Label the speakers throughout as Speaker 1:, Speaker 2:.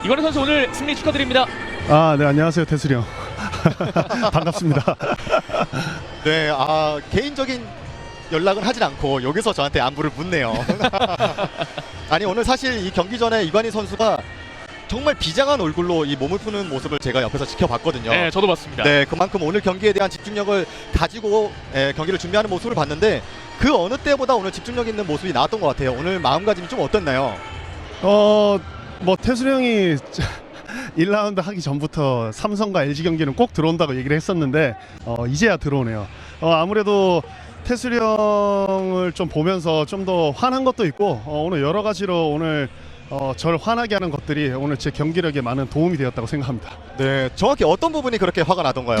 Speaker 1: 이관우 선수 오늘 승리 축하드립니다.
Speaker 2: 네, 안녕하세요, 태슬이 형. 반갑습니다.
Speaker 3: 네, 개인적인 연락은 하진 않고 여기서 저한테 안부를 묻네요. 아니, 오늘 사실 이 경기 전에 이관희 선수가 정말 비장한 얼굴로 이 몸을 푸는 모습을 제가 옆에서 지켜봤거든요.
Speaker 1: 네, 저도 봤습니다.
Speaker 3: 네, 그만큼 오늘 경기에 대한 집중력을 가지고 경기를 준비하는 모습을 봤는데 그 어느 때보다 오늘 집중력 있는 모습이 나왔던 것 같아요. 오늘 마음가짐이 좀 어땠나요?
Speaker 2: 뭐 태슬이 형이 1라운드 하기 전부터 삼성과 LG 경기는 꼭 들어온다고 얘기를 했었는데 이제야 들어오네요. 아무래도 태슬이 형을 좀 보면서 좀 더 화난 것도 있고 오늘 여러 가지로 오늘 저를 화나게 하는 것들이 오늘 제 경기력에 많은 도움이 되었다고 생각합니다.
Speaker 3: 네, 정확히 어떤 부분이 그렇게 화가 나던가요?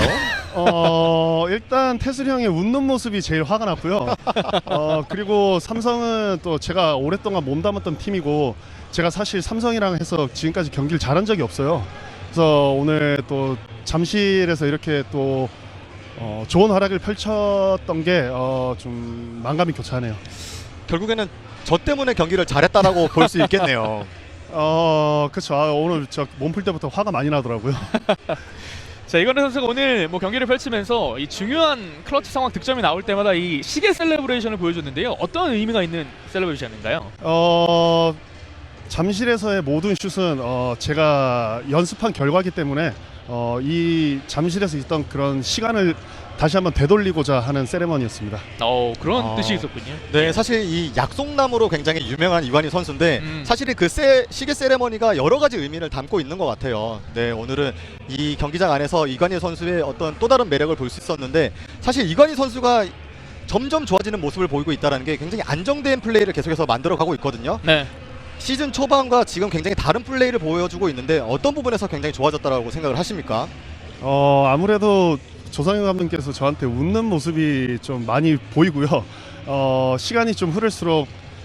Speaker 2: 일단 태슬이 형의 웃는 모습이 제일 화가 났고요. 그리고 삼성은 또 제가 오랫동안 몸담았던 팀이고 제가 사실 삼성이랑 해서 지금까지 경기를 잘한 적이 없어요. 그래서 오늘 또 잠실에서 이렇게 또 좋은 활약을 펼쳤던 게 좀 만감이 교차하네요.
Speaker 3: 결국에는 저 때문에 경기를 잘했다라고 볼 수 있겠네요.
Speaker 2: 그렇죠. 오늘 저 몸풀 때부터 화가 많이 나더라고요.
Speaker 1: 자, 이관우 선수가 오늘 뭐 경기를 펼치면서 이 중요한 클러치 상황 득점이 나올 때마다 이 시계 셀레브레이션을 보여줬는데요. 어떤 의미가 있는 셀레브레이션인가요?
Speaker 2: 잠실에서의 모든 슛은 제가 연습한 결과이기 때문에 이 잠실에서 있던 그런 시간을 다시 한번 되돌리고자 하는 세레머니였습니다.
Speaker 1: 그런 뜻이 있었군요.
Speaker 3: 네, 사실 이 약속나무로 굉장히 유명한 이관희 선수인데 사실은 그 시계 세레머니가 여러 가지 의미를 담고 있는 것 같아요. 네, 오늘은 이 경기장 안에서 이관희 선수의 어떤 또 다른 매력을 볼 수 있었는데 사실 이관희 선수가 점점 좋아지는 모습을 보이고 있다는 게 굉장히 안정된 플레이를 계속해서 만들어가고 있거든요.
Speaker 1: 네.
Speaker 3: 시즌 초반과 지금 굉장히 다른 플레이를 보여주고 있는데 어떤 부분에서 굉장히 좋아졌다고 생각을 하십니까?
Speaker 2: 아무래도 조상현 감독님께서 저한테 웃는 모습이 좀 많이 보이고요. 시간이 좀 흐를수록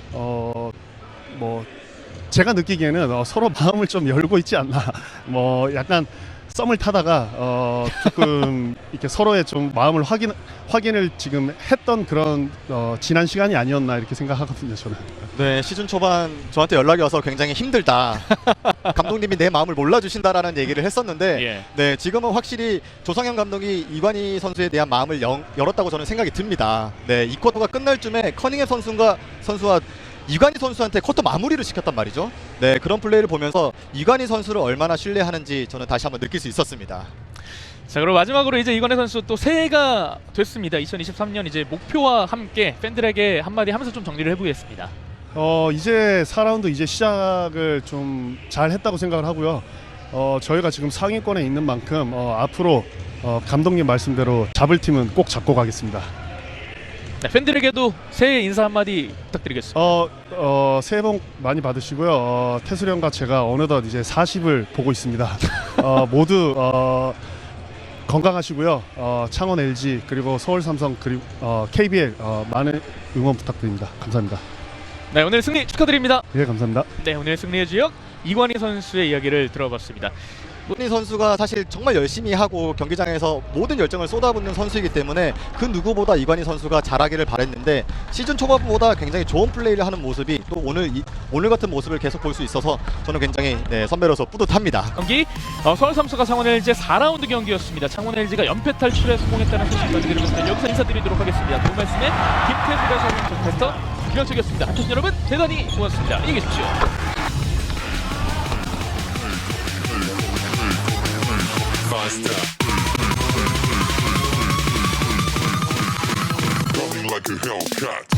Speaker 2: 뭐 제가 느끼기에는 서로 마음을 좀 열고 있지 않나. 뭐 약간 썸을 타다가 조금 이렇게 서로의 좀 마음을 확인을 지금 했던 그런 지난 시간이 아니었나 이렇게 생각하거든요, 저는.
Speaker 3: 네, 시즌 초반 저한테 연락이 와서 굉장히 힘들다. 감독님이 내 마음을 몰라주신다라는 얘기를 했었는데
Speaker 1: 예.
Speaker 3: 네, 지금은 확실히 조상현 감독이 이관희 선수에 대한 마음을 열었다고 저는 생각이 듭니다. 네, 이 쿼터가 끝날 쯤에 커닝햄 선수와 이관희 선수한테 쿼터 마무리를 시켰단 말이죠. 네, 그런 플레이를 보면서 이관희 선수를 얼마나 신뢰하는지 저는 다시 한번 느낄 수 있었습니다.
Speaker 1: 자, 그럼 마지막으로 이제 이관우 선수 또 새해가 됐습니다. 2023년 이제 목표와 함께 팬들에게 한마디 하면서 좀 정리를 해보겠습니다.
Speaker 2: 이제 4라운드 이제 시작을 좀 잘 했다고 생각을 하고요. 저희가 지금 상위권에 있는 만큼 앞으로 감독님 말씀대로 잡을 팀은 꼭 잡고 가겠습니다.
Speaker 1: 네, 팬들에게도 새해 인사 한마디 부탁드리겠습니다.
Speaker 2: 새해 복 많이 받으시고요. 태슬이 형과 제가 어느덧 이제 40을 보고 있습니다. 모두 건강하시고요. 창원 LG 그리고 서울 삼성 그리고 KBL 많은 응원 부탁드립니다. 감사합니다.
Speaker 1: 네, 오늘 승리 축하드립니다.
Speaker 2: 예, 감사합니다.
Speaker 1: 네, 오늘 승리의 주역 이관희 선수의 이야기를 들어봤습니다.
Speaker 3: 이관희 선수가 사실 정말 열심히 하고 경기장에서 모든 열정을 쏟아붓는 선수이기 때문에 그 누구보다 이관희 선수가 잘하기를 바랬는데 시즌 초반보다 굉장히 좋은 플레이를 하는 모습이 또 오늘 같은 모습을 계속 볼 수 있어서 저는 굉장히 선배로서 뿌듯합니다.
Speaker 1: 경기 서울 삼성과 창원 LG의 4라운드 경기였습니다. 창원 LG가 연패 탈출에 성공했다는 소식 전해드리면서 여기서 인사드리도록 하겠습니다. 도움 말씀에 김태수 해설위원 정캐스터 김현철이었습니다. 한편 여러분 대단히 고맙습니다. 안녕히 계십시오.
Speaker 4: Coming like a Hellcat.